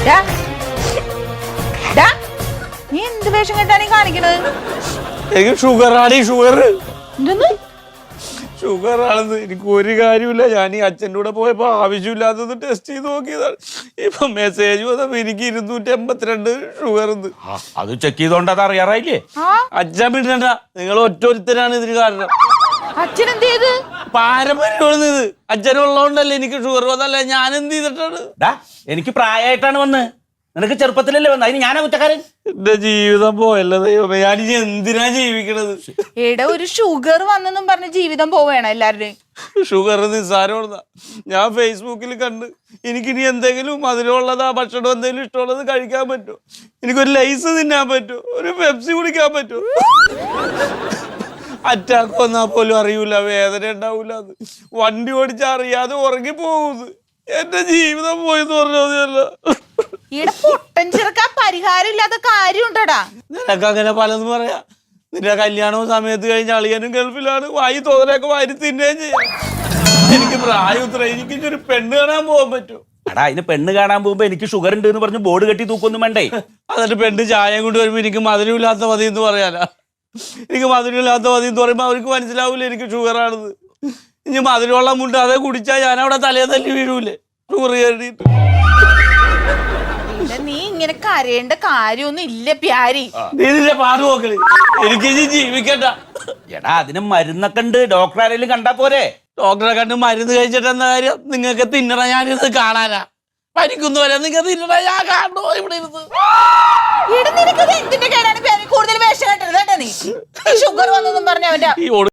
നീ എന്ത് വേഷം കെട്ടാണ് കാണിക്കണത്? എനിക്ക് ഷുഗർ ആണ്. ഷുഗർ എന്തെന്ന്? ഷുഗർ ആണെന്ന് എനിക്ക് ഒരു കാര്യമില്ല. ഞാൻ ഈ അച്ഛൻ്റെ കൂടെ പോയപ്പോ ആവശ്യമില്ലാത്തത് ടെസ്റ്റ് ചെയ്ത് നോക്കിയതാണ്. ഇപ്പൊ മെസ്സേജ് വന്നപ്പോ എനിക്ക് 282 ഷുഗർ. അത് ചെക്ക് ചെയ്തോണ്ട് അത് അറിയാറായില്ലേ? അച്ഛൻ വിടണ്ട, നിങ്ങൾ ഒറ്റൊരുത്തരാണ് ഇതിന് കാരണം. അച്ഛൻ എന്ത് ചെയ്ത്? പാരമ്പര്യമാണ് ഇത്. അച്ഛനുള്ളതുകൊണ്ടല്ലേ എനിക്ക് ഷുഗർ വന്നല്ലേ. ഞാൻ എന്ത് ചെയ്തിട്ടാണ്? എനിക്ക് പ്രായമായിട്ടാണ് വന്ന്. നിനക്ക് ചെറുപ്പത്തിലല്ലേ വന്നത്? അതിന് ഞാനാ കുറ്റക്കാരൻ? എന്റെ ജീവിതം പോയല്ലോ ദൈവമേ. ഞാനിനി എന്തിനാ ജീവിക്കണത്? എടാ, ഒരു ഷുഗർ വന്നെന്നും പറഞ്ഞ് ജീവിതം പോവേണം എല്ലാവരുടെയും. ഷുഗർ നിസ്സാരമുള്ളതാ. ഞാൻ ഫേസ്ബുക്കിൽ കണ്ട് എനിക്കിനി എന്തെങ്കിലും മധുരമുള്ളതാ ഭക്ഷണം എന്തെങ്കിലും ഇഷ്ടമുള്ളത് കഴിക്കാൻ പറ്റുമോ? എനിക്കൊരു ലൈസ് തിന്നാൻ പറ്റുമോ? ഒരു പെപ്സി കുടിക്കാൻ പറ്റുമോ? അറ്റാക്ക് വന്നാൽ പോലും അറിയൂല, വേദന ഉണ്ടാവൂല. അത് വണ്ടി ഓടിച്ചാ അറിയാതെ ഉറങ്ങി പോകുന്നത്. എന്റെ ജീവിതം പോയെന്ന് പറഞ്ഞല്ല. ഈടെ പൊട്ടൻ ചെറുക്കാൻ പരിഹാരം ഇല്ലാത്ത കാര്യം ഉണ്ടടാ. നിനക്ക് അങ്ങനെ പലതും പറയാ. നിന്റെ കല്യാണവും സമയത്ത് കഴിഞ്ഞ അളിയനും ഗൾഫിലാണ്. വായി തോന്നലൊക്കെ വാരി തിന്നുകയും ചെയ്യാം. എനിക്ക് പ്രായം ഉത്തര. എനിക്ക് ഒരു പെണ്ണ് കാണാൻ പോകാൻ പറ്റുമോ? എടാ, അതിന് പെണ്ണ് കാണാൻ പോകുമ്പോ എനിക്ക് ഷുഗർ ഉണ്ട് എന്ന് പറഞ്ഞ് ബോർഡ് കെട്ടി തൂക്കൊന്നും വേണ്ടേ? എന്നിട്ട് പെണ്ണ് ചായം കൊണ്ട് വരുമ്പോ എനിക്ക് മധുരമില്ലാത്ത മതി എന്ന് പറയാനാ. എനിക്ക് മധുരമില്ലാത്ത മതി എന്ന് പറയുമ്പോ അവർക്ക് മനസ്സിലാവൂല എനിക്ക് ഷുഗർ ആണെന്ന്. ഇനി മധുരമുള്ള മുണ്ട് അതേ കുടിച്ചാൽ ഞാൻ അവിടെ തലയെ തല്ലി വീഴൂലേ ഷുഗർ കയറിയിട്ട്. നീ ഇങ്ങനെ കരയേണ്ട കാര്യമൊന്നും ഇല്ല പ്യാരി. നീ നിന്റെ പാട് നോക്കല്. എനിക്ക് ജീവിക്കണ്ട. എടാ, അതിന് മരുന്നൊക്കെ ഉണ്ട്. ഡോക്ടർ ആരെങ്കിലും കണ്ടാ പോരെ? ഡോക്ടറെ കണ്ട് മരുന്ന് കഴിച്ചിട്ട് എന്താ കാര്യം? നിങ്ങൾക്ക് തിന്നണ ഞാനിത് കാണാനാ. പരിക്കുന്നു വരെ നിങ്ങൾക്ക് തിന്നണ ഞാൻ കാണണോ ഇവിടെ ഇരുന്ന്? എന്തിന്റെ കേടാണ് കൂടുതൽ വേഷം കെട്ടരുത് കേട്ടോ. നീ ഷുഗർ വന്നൊന്നും പറഞ്ഞ അവന്റെ